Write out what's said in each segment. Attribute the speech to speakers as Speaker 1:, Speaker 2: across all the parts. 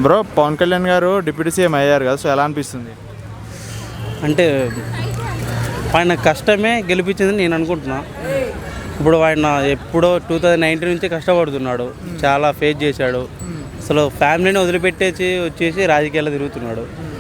Speaker 1: Bro Pawan Kalyan గారు deputy CM అయ్యారు కదా, సో ఎలా అనిపిస్తుంది?
Speaker 2: అంటే ఆయన కష్టమే గెలిపించిందని నేను అనుకుంటున్నా. ఇప్పుడు ఆయన ఎప్పుడో 2019 నుంచి కష్టపడుతున్నాడు, చాలా ఫేస్ చేశాడు. అసలు ఫ్యామిలీని వదిలిపెట్టేసి వచ్చేసి రాజకీయాల్లో తిరుగుతున్నాడు.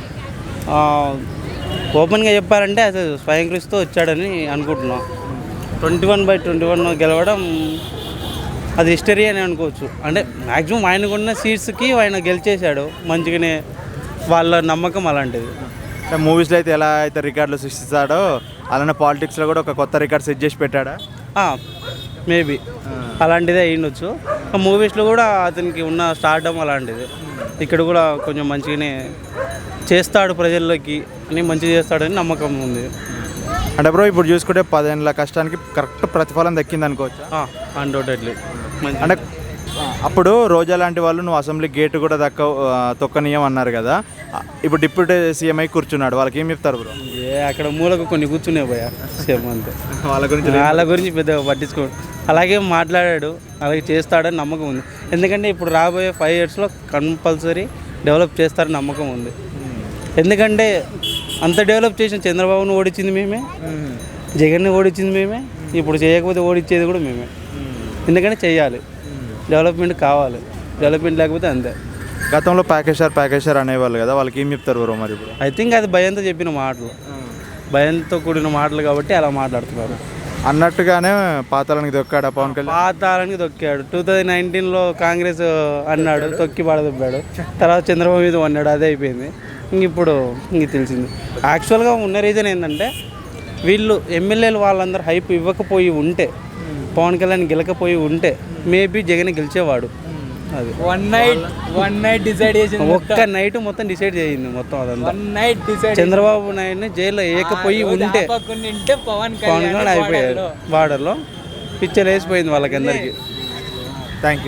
Speaker 2: ఓపెన్గా చెప్పాలంటే అసలు స్వయం కృషితో వచ్చాడని అనుకుంటున్నాం. 21/21 గెలవడం అది హిస్టరీ అని అనుకోవచ్చు. అంటే మ్యాక్సిమం ఆయనకున్న సీట్స్కి ఆయన గెలిచేశాడు మంచిగానే, వాళ్ళ నమ్మకం అలాంటిది.
Speaker 1: మూవీస్లో అయితే ఎలా అయితే రికార్డులు సృష్టిస్తాడో అలానే పాలిటిక్స్లో కూడా ఒక కొత్త రికార్డ్ సెట్ చేసి పెట్టాడా?
Speaker 2: మేబీ అలాంటిదే అయ్యిండొచ్చు. మూవీస్లో కూడా అతనికి ఉన్న స్టార్డమ్ అలాంటిది. ఇక్కడ కూడా కొంచెం మంచిగానే చేస్తాడు, ప్రజల్లోకి అని మంచిగా చేస్తాడని నమ్మకం ఉంది.
Speaker 1: అంటే బ్రో ఇప్పుడు చూసుకుంటే 10 ఏళ్ళ కష్టానికి కరెక్ట్ ప్రతిఫలం దక్కింది అనుకోవచ్చు.
Speaker 2: అన్డౌటెడ్లీ.
Speaker 1: అంటే అప్పుడు రోజా లాంటి వాళ్ళు నువ్వు అసెంబ్లీ గేటు కూడా తొక్కనీయం అన్నారు కదా, ఇప్పుడు డిప్యూటీ సీఎం అయి కూర్చున్నాడు, వాళ్ళకి ఏం చెప్తారు బ్రో?
Speaker 2: అక్కడ మూలకు కొన్ని కూర్చునే పోయా సీఎం అంతే. వాళ్ళ గురించి పెద్దగా పట్టించుకోడు. అలాగే మాట్లాడాడు, అలాగే చేస్తాడని నమ్మకం ఉంది. ఎందుకంటే ఇప్పుడు రాబోయే 5 yearsలో కంపల్సరీ డెవలప్ చేస్తారని నమ్మకం ఉంది. ఎందుకంటే అంత డెవలప్ చేసిన చంద్రబాబును ఓడించింది మేమే, జగన్ని ఓడించింది మేమే, ఇప్పుడు చేయకపోతే ఓడించేది కూడా మేమే. ఎందుకంటే చెయ్యాలి, డెవలప్మెంట్ కావాలి, డెవలప్మెంట్ లేకపోతే అంతే.
Speaker 1: గతంలో ప్యాకేజర్ అనేవాళ్ళు కదా, వాళ్ళకి ఏం చెప్తారు బ్రో మరి ఇప్పుడు?
Speaker 2: ఐ థింక్ అది భయంతో చెప్పిన మాటలు, భయంతో కూడిన మాటలు కాబట్టి అలా మాట్లాడుతున్నారు.
Speaker 1: అన్నట్టుగానే పాతాళానికి దొక్కాడు పవన్ కళ్యాణ్.
Speaker 2: పాతాళానికి దొక్కాడు. 2019లో కాంగ్రెస్ అన్నాడు, తొక్కి పడదొబ్బాడు. తర్వాత చంద్రబాబు మీద అన్నాడు, అదే అయిపోయింది. ఇప్పుడు తెలిసింది. యాక్చువల్గా ఉన్న రీజన్ ఏంటంటే వీళ్ళు ఎమ్మెల్యేలు వాళ్ళందరూ హైప్ ఇవ్వకపోయి ఉంటే, పవన్ కళ్యాణ్ గెలకపోయి ఉంటే మేబీ జగన్ గెలిచేవాడు. అది
Speaker 3: వన్ నైట్ డిసైడ్ చేసింది,
Speaker 2: ఒక్క నైట్ మొత్తం డిసైడ్ చేయింది మొత్తం అదంతా. చంద్రబాబు నాయుడిని జైల్లో వేయకపోయి ఉంటే పవన్ కళ్యాణ్ అయిపోయాడు. బార్డర్లో పిచ్చర్ వేసిపోయింది వాళ్ళకందరికీ.
Speaker 1: Thank you.